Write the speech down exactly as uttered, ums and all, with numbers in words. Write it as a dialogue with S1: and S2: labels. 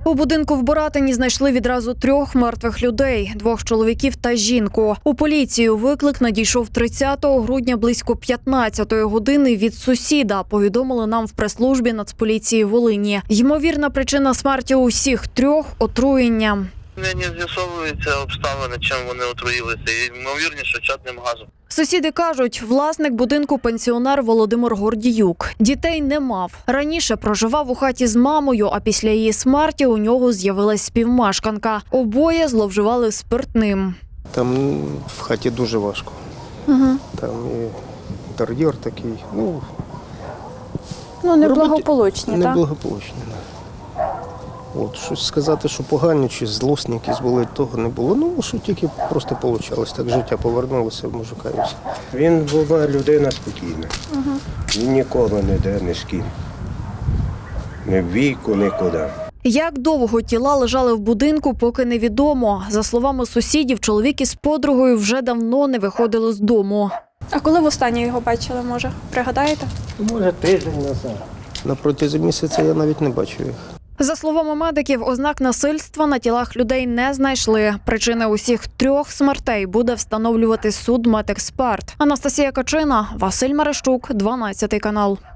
S1: У будинку в Боратині знайшли відразу трьох мертвих людей – двох чоловіків та жінку. У поліцію виклик надійшов тридцятого грудня близько п'ятнадцятої години від сусіда, повідомили нам в прес-службі Нацполіції Волині. Ймовірна причина смерті усіх трьох – отруєння.
S2: Не з'ясовуються обставини, чим вони отруїлися. І, ймовірніше, чадним газом.
S1: Сусіди кажуть, власник будинку – пенсіонер Володимир Гордіюк. Дітей не мав. Раніше проживав у хаті з мамою, а після її смерті у нього з'явилась співмешканка. Обоє зловживали спиртним.
S3: Там в хаті дуже важко.
S1: Угу.
S3: Там і інтер'єр такий, ну,
S4: Ну, неблагополучні, так?
S3: неблагополучні. Да. От, щось сказати, що погані чи злосні якісь були, того не було. Ну, що тільки просто вийшло. Так життя повернулося в мужика і все.
S5: Він була людина спокійна. Угу. Він ніколи не йде ні з ким. Ні в війку, нікуди.
S1: Як довго тіла лежали в будинку, поки невідомо. За словами сусідів, чоловік із подругою вже давно не виходили з дому.
S4: А коли востаннє його бачили, може? Пригадаєте?
S5: Може, тиждень назад.
S3: На протязі місяця я навіть не бачив їх.
S1: За словами медиків, ознак насильства на тілах людей не знайшли. Причини усіх трьох смертей буде встановлювати судмедексперт. Анастасія Качина, Василь Мерещук, дванадцятий канал.